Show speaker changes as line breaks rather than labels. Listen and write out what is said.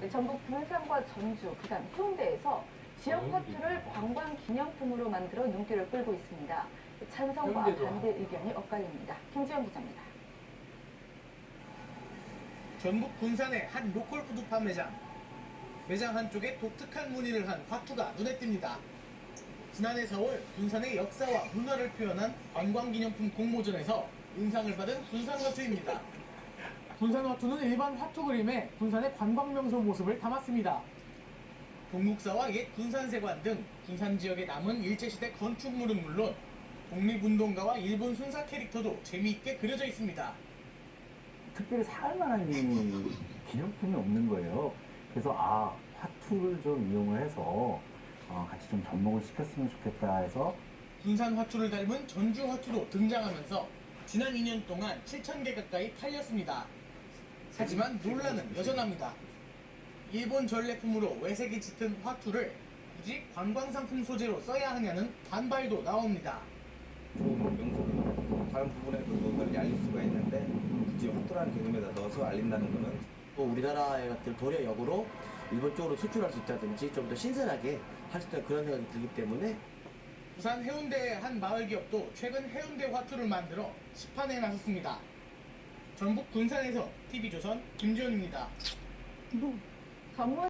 네, 전북 군산과 전주, 부산, 해운대에서 지역 화투를 관광 기념품으로 만들어 눈길을 끌고 있습니다. 찬성과 반대 의견이 엇갈립니다. 김지영 기자입니다.
전북 군산의 한 로컬 푸드파 매장. 매장 한쪽에 독특한 무늬를 한 화투가 눈에 띕니다. 지난해 4월 군산의 역사와 문화를 표현한 관광기념품 공모전에서 은상을 받은 군산 화투입니다.
군산 화투는 일반 화투 그림에 군산의 관광명소 모습을 담았습니다.
동국사와 옛 군산세관 등 군산 지역에 남은 일제시대 건축물은 물론 독립운동가와 일본 순사 캐릭터도 재미있게 그려져 있습니다.
특별히 살 만한 기념품이 없는 거예요. 그래서 화투를 좀 이용을 해서 같이 좀 접목을 시켰으면 좋겠다 해서
군산 화투를 닮은 전주 화투도 등장하면서 지난 2년 동안 7,000개 가까이 팔렸습니다. 하지만 논란은 여전합니다. 일본 전래품으로 외색이 짙은 화투를 굳이 관광상품 소재로 써야 하냐는 반발도 나옵니다.
좋은 명소고 다른 부분에서도 널리 알릴 수가 있는데 굳이 화투라는 개념에다 넣어서 알린다는 것은
또 우리나라의 같은 도려 역으로 일본 쪽으로 수출할 수 있다든지 좀 더 신선하게 할 수 있다는 그런 생각이 들기 때문에
부산 해운대의 한 마을 기업도 최근 해운대 화투를 만들어 시판에 나섰습니다. 전북 군산에서 TV조선 김지훈입니다.
전문